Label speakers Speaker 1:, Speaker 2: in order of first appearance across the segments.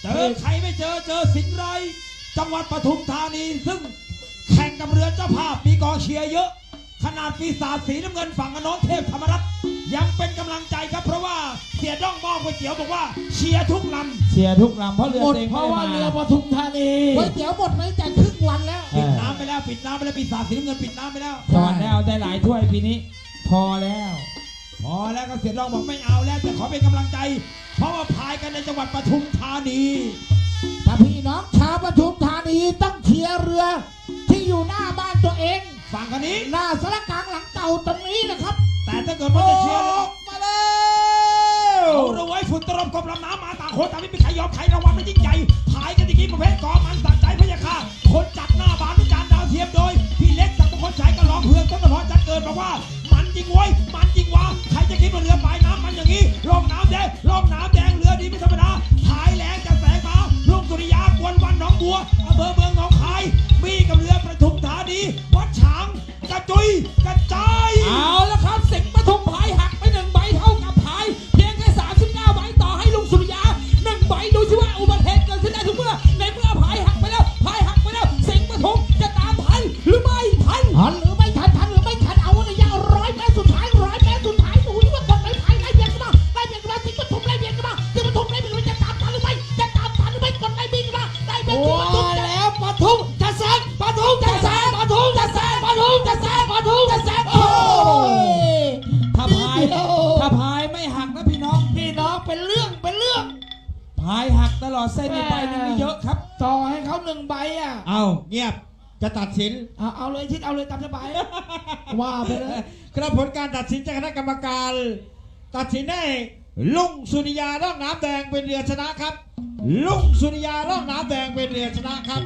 Speaker 1: เจอใครไม่เจอสิงห์ไรจังหวัดปทุมธานีซึ่งแข่งกับเรือเจ้าภาพมีกองเชียร์เยอะขนาดปีศาจสีน้ำเงินฝั่งอโนนเทพธรรมรัตน์ยังเป็นกำลังใจครับเพราะว่าเสียด้องมองก๋วยเตี๋ยวบอกว่าเชียร์ทุกลำ
Speaker 2: เชียร์ทุกลำเพราะเรือเต็ง
Speaker 3: เพราะว่าเรือปทุมธานีก๋วยเตี๋ยวหมดไหมแต่ครึ่งวันแล้ว
Speaker 1: ปิดน้ำไปแล้วปีศาจสีน้ำเงินปิดน้ำไปแล้ว
Speaker 2: สวัสดีเอาได้หลายถ้วยปีนี้พอแล้ว
Speaker 1: ก็เสียด้องบอกไม่เอาแล้วแต่ขอเป็นกำลังใจเพราะว่าพายกันในจังหวัดปทุมธานี
Speaker 3: ถ้าพี่น้องชาวปทุมธานีต้องเชียร์เรือที่อยู่หน้าบ้านตัวเอง
Speaker 1: ฝั่งคนนี้
Speaker 3: หน้าสารกลางหลังเก่าตรงนี้นะครับ
Speaker 1: แต่ถ้าเกิดว่าจะเชียร์
Speaker 3: มาแล้ว
Speaker 1: เอาเราไว้ฝุ่นตลบกบลำน้ำมาต่างคนต่างไม่มีใครยอมใครรางวัลมันยิ่งใหญ่พายกันอย่างนี้ประเภทกอมันสักใจพยาค่าคนจัดหน้าบานทุกจานดาวเทียมโดยพี่เล็กสักมงคลชัยก็ร้องเพื่อนต้นพรจัดเกิดบอกว่ามันจริงเว้ยมันจริงวะใครจะคิดว่าเรือปลายน้ำมันอย่างนี้ร่องน้ำแดงเรือดีไม่ธรรมดาพายแรงจะแสงมาลุงสุริยากวนวันหนองบัวอำเภอเมืองหนองคายมีกับเรือปทุมธานีวัดฉางกระจุยกระจาย
Speaker 2: เอาละครับสิงห์ปทุมพายหักไป1 ใบเท่ากับพายเพียงแค่39 ใบต่อให้ลุงสุริยา1 ใบดูสิว่าอุบัติเหตุเกิดขึ้นได้ทุกเมื่อในเมื่อพายหักไปแล้วสิงห์ปทุมจะตามทันหรือไม่ทัน
Speaker 3: หรือไม่ทันเอาในยาว100 เมตรสุดท้ายดูที่ว่ากดไปพายไล่เบียดกันมาสิงห์ปทุมไล่เบียดกันมาสิงห์ปทุมไล่เบียดกันมาจะตามทันหรือไม่กดไล่เบียดกันมาไล่เบียดสิงห์ปทุมแล้วปทุมจะแซงโอ้
Speaker 2: ยถ้าพายไม่หักนะพี่น้อง
Speaker 3: เป็นเรื่อง
Speaker 2: พายหักตลอดเส้นนี้ไปนี่ไม่เยอะครับ
Speaker 3: ต่อให้เขา1 ใบอ่ะ
Speaker 4: เอาเงียบจะตัดสิน
Speaker 3: เอาเลยชิดเอาเลยตามสบายว่าไปเลย
Speaker 4: ครับผลการตัดสินจากคณะกรรมการตัดสินให้ลุงสุริยาร่องน้ำแดงเป็นเรือชนะครับลุงสุริยาร่องน้ำแดงเป็นเรือชนะครับ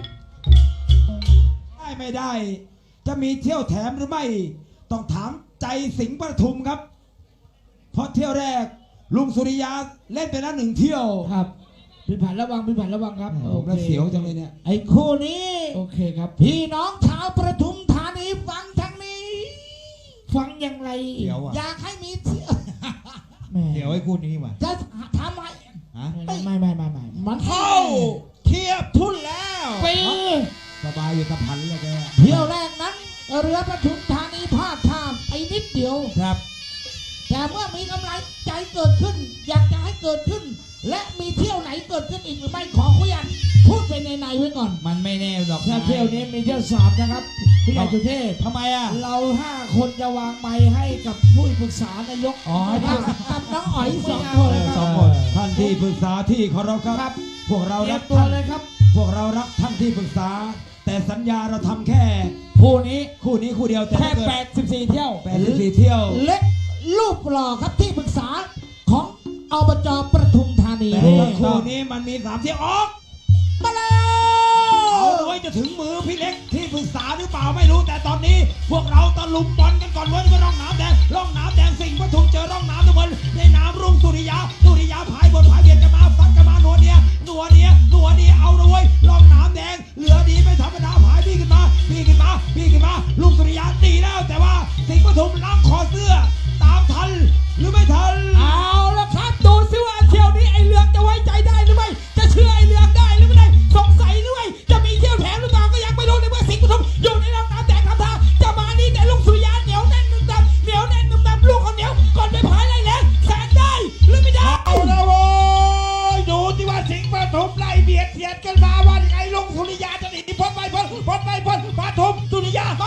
Speaker 1: ไม่ได้จะมีเที่ยวแถมหรือไม่ต้องถามใจสิงห์ปทุมครับเพราะเที่ยวแรกลุงสุริยาเล่นไปแล้ว1 เที่ยว
Speaker 3: ครับพี่ผ่านระวังครับ
Speaker 1: น่าเสียวจังเลยเนี่ย
Speaker 3: ไอ้คู่นี้โอเคครับพี่น้องชาวปทุมธานีฟังทางนี้ฟังอย่างไรอยากให้มีเที่ยว
Speaker 4: เดี๋ยวไอ้คู่นี้มา
Speaker 3: จะทำไมไม่มัน
Speaker 4: เข้าเทียบทุนแล้ว
Speaker 1: สบายอยู่กับพันเลยแก
Speaker 3: เที่ยวแรกนั้นเรือปทุมธานีพลาดท่าไปนิดเดียว
Speaker 1: ครับ
Speaker 3: แต่เมื่อมีกำไรใจเกิดขึ้นอยากจะให้เกิดขึ้นและมีเที่ยวไหนเกิดขึ้นอีกหรือไม่ขอคุยกันพูดไปในไว้ก่อน
Speaker 2: มันไม่แน่หรอก
Speaker 3: ถ้าเที่ยวนี้มีเที่ยว3นะครับพี่ใหญ่สุเทพ
Speaker 2: ทำไมอ่ะ
Speaker 3: เรา5 คนจะวางไม้ให้กับผู้ปรึกษานายกกับน้องอ๋อย2 คน
Speaker 1: ท่านที่ปรึกษาที่เคารพครับพวกเรารัก
Speaker 3: ตัวเลยครับ
Speaker 1: พวกเรารักท่านที่ปรึกษาแต่สัญญาเราทำแค่
Speaker 2: คู่นี้
Speaker 1: คู่เดียว
Speaker 2: แค่84 เที่ยว
Speaker 3: เล็กรูปหล่อครับที่ปรึกษาของอบจ.ปทุมธานี
Speaker 1: แต่คู่นี้มันมี3 เที่ยวออก
Speaker 3: มาแล้ว
Speaker 1: เอาไว้จะถึงมือพี่เล็กที่ปรึกษาหรือเปล่าไม่รู้แต่ตอนนี้พวกเราตะลุมบอลกันก่อนว่าร่องน้ำแดงสิงห์ปทุมเจอร่องน้ำทุกคนในน้ำรุ่งสุริยาพายบนพายเบียดกันมาฟัดกันมาหนัวเนียเอาเลยร่องน้ำแดงเหลือดีไม่ธรรมดาพายพี่ขึ้นมาลุงสุริยาตีแล้วแต่ว่าสิงห์ปทุมล้างคอเสื้อตามทันหรือไม่ทัน
Speaker 2: เอาละครับดูซิว่าเที่ยวนี้ไอเรืองจะไว้ใจได้หรือไม่จะเชื่อไอเรืองได้หรือไม่ได้สงสัยหรือไม่จะมีเที่ยวแถมหรือเปล่าก็ยังไม่รู้ในเมื่อสิงห์ปทุมอยู่ในร่องน้ำแดงทำท่าจะมานี่แต่ลุงสุริยาเหนียวแน่นนุ่มดำลูกคนเหนียวก่อนไปพายไล่แรงแสงได้หรือไม่ได้
Speaker 4: เอาละโว้ยดูที่ว่าสิงห์ปทุมไล่เบียดกันมาว่ายังไงลุงสุริยาจะหนีพ้นไปปทุมสุริยา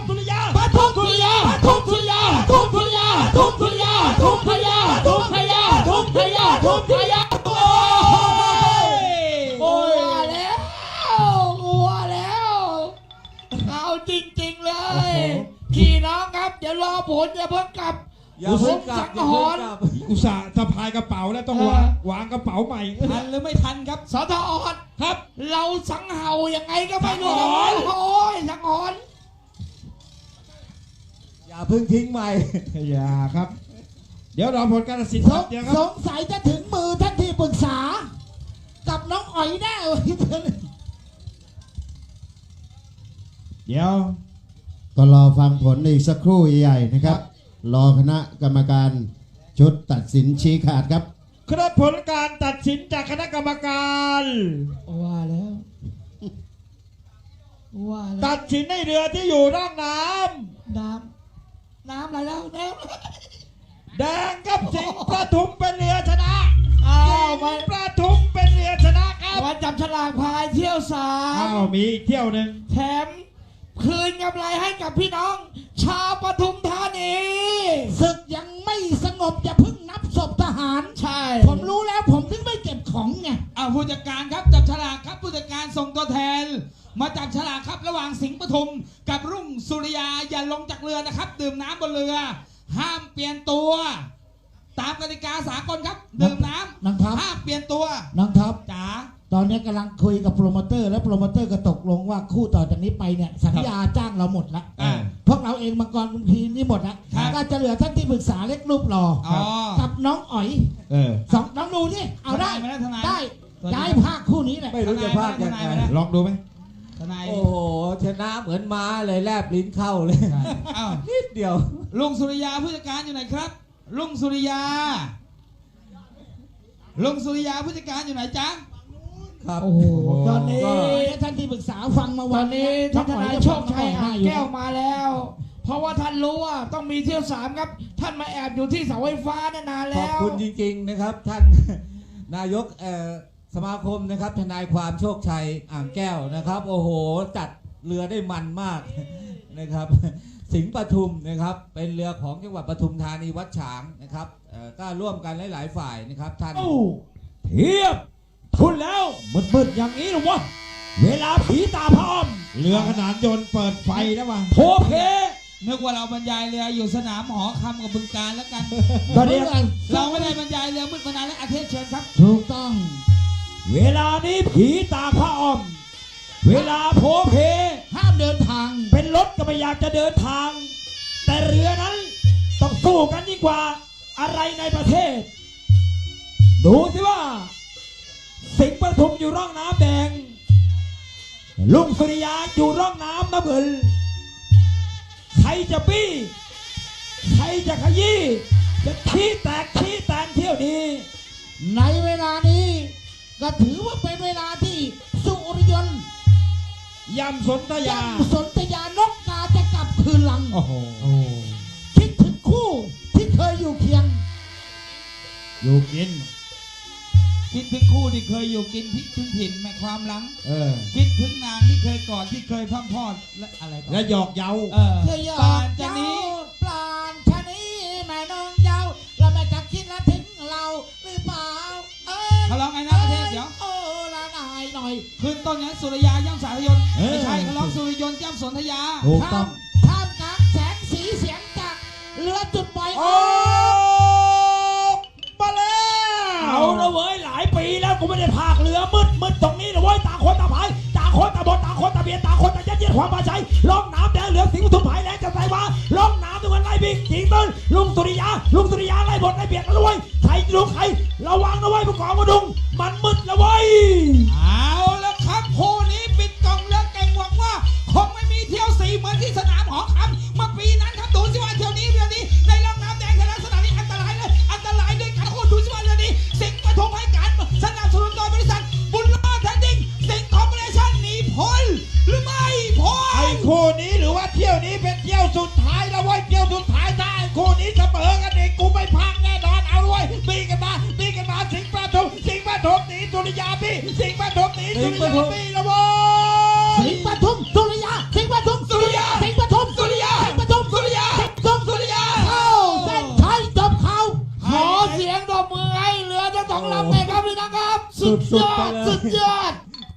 Speaker 3: โอ้ยแล้วเอาจริงๆเลยพี่น้องครับเดี๋ยวรอผลอย่าเพิ่งกลับสังหรณ์
Speaker 4: อุตส่าห์สะพายกระเป๋าแล้วต้องวางกระเป๋าใหม่
Speaker 2: ทันหรือไม่ทันครับ
Speaker 3: สทออน
Speaker 4: ครับ
Speaker 3: เราสังเห่ายังไงก็ไม่รู้โอ้ยสังหรณ์
Speaker 4: อย่าเพิ่งทิ้งใหม่อย่าครับเดี๋ยวรอผลการตัดสิน
Speaker 3: สงสัยจะถึงมือท่านที่ปรึกษากับน้องอ๋อยแน่
Speaker 4: เดี๋ยว
Speaker 5: ก็รอฟังผลอีกสักครู่ใหญ่นะครับรอคณะกรรมการชุดตัดสินชี้ขาดครับ
Speaker 4: ครับผลการตัดสินจากคณะกรรมการ
Speaker 2: ว่าแล้ว ว่าแล้ว
Speaker 4: ตัดสินให้เรือที่อยู่ร่องน้
Speaker 2: น้ำอะไรแล้วน้
Speaker 4: ำแดงกับสิงห์ประทุมเป็นเรือชนะ
Speaker 2: ำอ้า
Speaker 4: สิ
Speaker 2: ว
Speaker 4: ง
Speaker 2: มา
Speaker 4: ห์ประทุมเป็นเรือชนะครับ
Speaker 2: วันจับฉลากพายเที่ยวสา
Speaker 4: อ้าม วมีอีกเที่ยวหนึ่ง
Speaker 2: แถมคืนกำไรให้กับพี่น้อง ชาวปทุมธานี
Speaker 3: ศึกยังไม่สงบอย่าเพิ่งนับศพทหาร
Speaker 2: ใช่
Speaker 3: ผมรู้แล้วผมถึงไม่เก็บของไง
Speaker 2: ผู้จัดการครับจับฉลากครับผู้จัดการส่งตัวแทน มาจับฉลากครับระหว่างสิงห์ปทุมกับรุ่งสุริยาอย่าลงจากเรือนะครับ ดื่มน้ำบนเรือ ห้ามเปลี่ยนตัว ตามกติกาสากลครับ ดื่มน้
Speaker 3: น้องท็อป
Speaker 2: ำห้ามเปลี่ยนตัว
Speaker 3: น้องท็อป
Speaker 2: จ๋า
Speaker 3: ตอนนี้กำลังคุยกับโปรโมเตอร์ และโปรโมเตอร์ก็ตกลงว่าคู่ต่อจากนี้ไปเนี่ยสัญญาจ้างเราหมดแล้ว
Speaker 2: อ่า
Speaker 3: พวกเราเองมังกรคุณพีนี่หมดแล้ว
Speaker 2: ครับ
Speaker 3: ก็จะเหลือท่านที่ปรึกษาเล็กรูปหล่ออ
Speaker 2: อ๋อ
Speaker 3: กับน้องอ๋อย สองน้องดูนี่เอาได้
Speaker 2: ทนายไหมล่ะทนาย
Speaker 3: ได้ย้ายภาคคู่นี้แหละ
Speaker 6: ไม่รู้จะพากยังไง
Speaker 4: ลองดูไหม
Speaker 2: ทนาย
Speaker 6: โอ้โห ชนะเหมือนม้าเลยแลบลิ้นเข้าเลย
Speaker 2: อ้าว
Speaker 6: นิดเดียว
Speaker 2: ลุงสุริยาผู้จัดการอยู่ไหนครับ ลุงสุริยา ลุงสุริยาผู้จัดการอยู่ไหนจ๊ะ
Speaker 6: ครับ
Speaker 3: โอ้โหตอนนี้
Speaker 6: ก็
Speaker 3: ท่านที่ปรึกษาฟังมา
Speaker 2: ต
Speaker 3: วั
Speaker 2: อน นนี้
Speaker 3: น้
Speaker 2: ท่า
Speaker 3: อน ง
Speaker 2: ท
Speaker 3: อ๋อย
Speaker 2: นาย
Speaker 3: จะ
Speaker 2: โช
Speaker 3: ฟั
Speaker 2: ค
Speaker 3: ง
Speaker 2: ชัย
Speaker 3: น้องอ๋
Speaker 2: อ่า
Speaker 3: อย
Speaker 2: ง
Speaker 3: อยู่
Speaker 2: แก้วมาแล้ว เพราะว่าท่านรู้ว่าต้องมีเที่ยวสามครับ ท่านมาแอบอยู่ที่เสาไฟฟ้าเนยนาน
Speaker 6: ข
Speaker 2: แล้
Speaker 6: อบ
Speaker 2: ว
Speaker 6: คุณจริงๆนะครับ ท่าน นายกสมาคมนะครับทนายความโชคชัยอ่างแก้วนะครับ โอ้โห จัดเรือได้มันมาก นะครับ สิงห์ปทุมนะครับ เป็นเรือของจังหวัดปทุมธานีวัดฉางนะครับก็ร่วมกันหลายๆฝ่ายนะครับท่าน
Speaker 1: โอ้เทียบทุนแล้วมืดๆอย่างนี้หรอวะเวลาผีตาพร้อม
Speaker 4: เรือขนานยนต์เปิดไฟแล้ววะ
Speaker 1: โพเพ
Speaker 2: นึกว่าเราบรรยายเรืออยู่สนามหอคำกับบึงการแล้วกัน
Speaker 1: ตอนนี้
Speaker 2: เราไม่ได้บรรยายเรือมืดมานานแล้วอาเทศเชิญครับ
Speaker 3: ถูกต้อง
Speaker 1: เวลานี้ผีตาพระอ้อม เวลาโพเพ
Speaker 3: ห้ามเดินทาง
Speaker 1: เป็นรถก็ไม่อยากจะเดินทาง แต่เรือนั้นต้องสู้กันยิ่งกว่าอะไรในประเทศ ดูสิว่า สิงห์ปทุมอยู่ร่องน้ำแดง ลุงสุริยาอยู่ร่องน้ำน้ำเงินใครจะบี้ใครจะขยี้จะขี้แตกขี้แตนเที่ยวนี้
Speaker 3: ในเวลานี้ก็ถือว่าเป็นเวลาที่สุริยนต์
Speaker 4: ยำสนธยา
Speaker 3: สนธยานกกาจะกลับคืนหลัง
Speaker 4: โอ้โห
Speaker 3: คิดถึงคู่ที่เคยอยู่เคียง
Speaker 4: อยู่กิน
Speaker 2: คิดถึงคู่ที่เคยอยู่กินพริกถึงถิ่นแม่ความหลัง คิดถึงนางที่เคยกอดที่เคยพร่ำพรอดและอะไรต่อ
Speaker 4: และหยอกเย้า
Speaker 2: เออ
Speaker 3: เธอหยอ
Speaker 2: ก่อน
Speaker 3: ก
Speaker 2: จะ
Speaker 3: เจ้า
Speaker 2: นี้
Speaker 3: ปลานชะนี้แม่น้องเจ้าเราไม่จะคิดและถึงเราหรือเปล่าย
Speaker 2: เขาร้องไงนะอาเทศเดี๋ยว
Speaker 3: โอ้ละนายหน่อย
Speaker 2: ขึ้นต้นนั้นสุริยาย่ำสายยนต์
Speaker 4: เออ
Speaker 2: ไม่ใช่เขาร้องสุริยนต์ย่ำสนธยา
Speaker 4: ถูกต้อง
Speaker 3: ท่ามกลางแสงสีเสียงจากเรือจุดปล่อย
Speaker 4: โอ้มาแล้ว
Speaker 1: เอาละเว้ยหลายปีแล้วกูไม่ได้พากเรือมืดตรงนี้นะเว้ยต่างคนต่างพายต่างคนต่างบนต่างคนต่างเบียดต่างคนต่างยัดเยียดความมาใช้ล่องน้ำแดงเหลืองสิงห์ปทุมหายแรงจะใส่มาล่องน้ำทุกคนไล่บิ๊กจิงต้นลุงสุริยาไล่บดไล่เบียดนะเว้ยใครลุงใครระวังนะเว้ยผู้กองมาดุงมันมืดแล้วเว้ย
Speaker 2: เอาแล้วครับคู่นี้ปิดกล่องเรือเก่งหวังว่าคงไม่มีเที่ยวสีเหมือนที่สนามหอคำเมื่อปีนั้นครับดูสิว่าเที่ยวนี้เรือนี้ในล่องน้ำแดงในลักษณะนี้อันตรายเลยอันตรายด้วยกันโอ้ดูสิว่าเรือนี้สิงห์ปทุมให้การสนับสนุนโดยบริษัทบุญรอดแทนดิ้งสิงห์คอร์ปอเรชั่นหนีพ้นหรือไม่พ้
Speaker 4: ไอ้
Speaker 2: น
Speaker 4: คู่นี้หรือว่าเที่ยวนี้เป็นเที่ยวสุดท้ายแล้วเว้ยเที่ยวสุดท้ายถ้าไอ้คู่นี้เสมอกันเองกูไม่พักแน่นอนเอาเว้ยบีกันมาสิงห์ปทุมหนีสุริยาบี้สิงห์ปทุมหนีสุริยาบี้แล้วเว้ย
Speaker 3: สิงห์ปทุมสุริยาสิงห์ปทุมสุริยาสิงห์ปทุมสุริยาสิงห์ปทุมสุริยาสิงห์ปทุมสุริยาเข้าเส้นชัยจบเขาขอเสียงตบมือให้เรือทั้งสองลำเลยครับพี่น้องครับ สุดยอดสุดยอด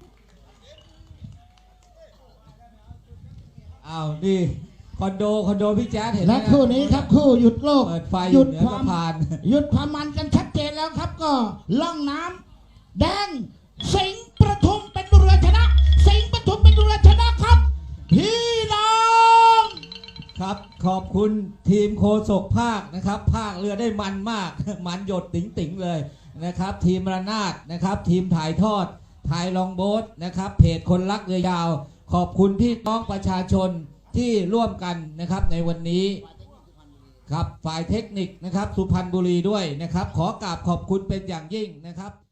Speaker 6: อ้าวนี่คอนโดพี่แจ๊ดเห็นไหม
Speaker 3: และคู่นี้ครับคู่หยุดโลก
Speaker 6: เปิดไฟ
Speaker 3: ห
Speaker 6: อ
Speaker 3: ยุ
Speaker 6: ยู่
Speaker 3: ด
Speaker 6: เหนือ
Speaker 3: ควา
Speaker 6: สะ
Speaker 3: ม
Speaker 6: พาน
Speaker 3: หยุดความมันกันชัดเจนแล้วครับก็ล่องน้ำแดงสิงห์ปทุมเป็นเรือชนะ สิงห์ปทุมเป็นเรือชนะครับพี่น้อง
Speaker 6: ครับขอบคุณทีมโคศกภาคนะครับภาคเรือได้มันมาก มันหยดติ๋งๆเลยนะครับ ทีมระนาดนะครับ ทีมถ่ายทอดถ่ายลองโบ๊ทนะครับ เพจคนรักเรือยาว ขอบคุณพี่น้องประชาชนที่ร่วมกันนะครับในวันนี้ครับฝ่ายเทคนิคนะครับสุพรรณบุรีด้วยนะครับขอกราบขอบคุณเป็นอย่างยิ่งนะครับ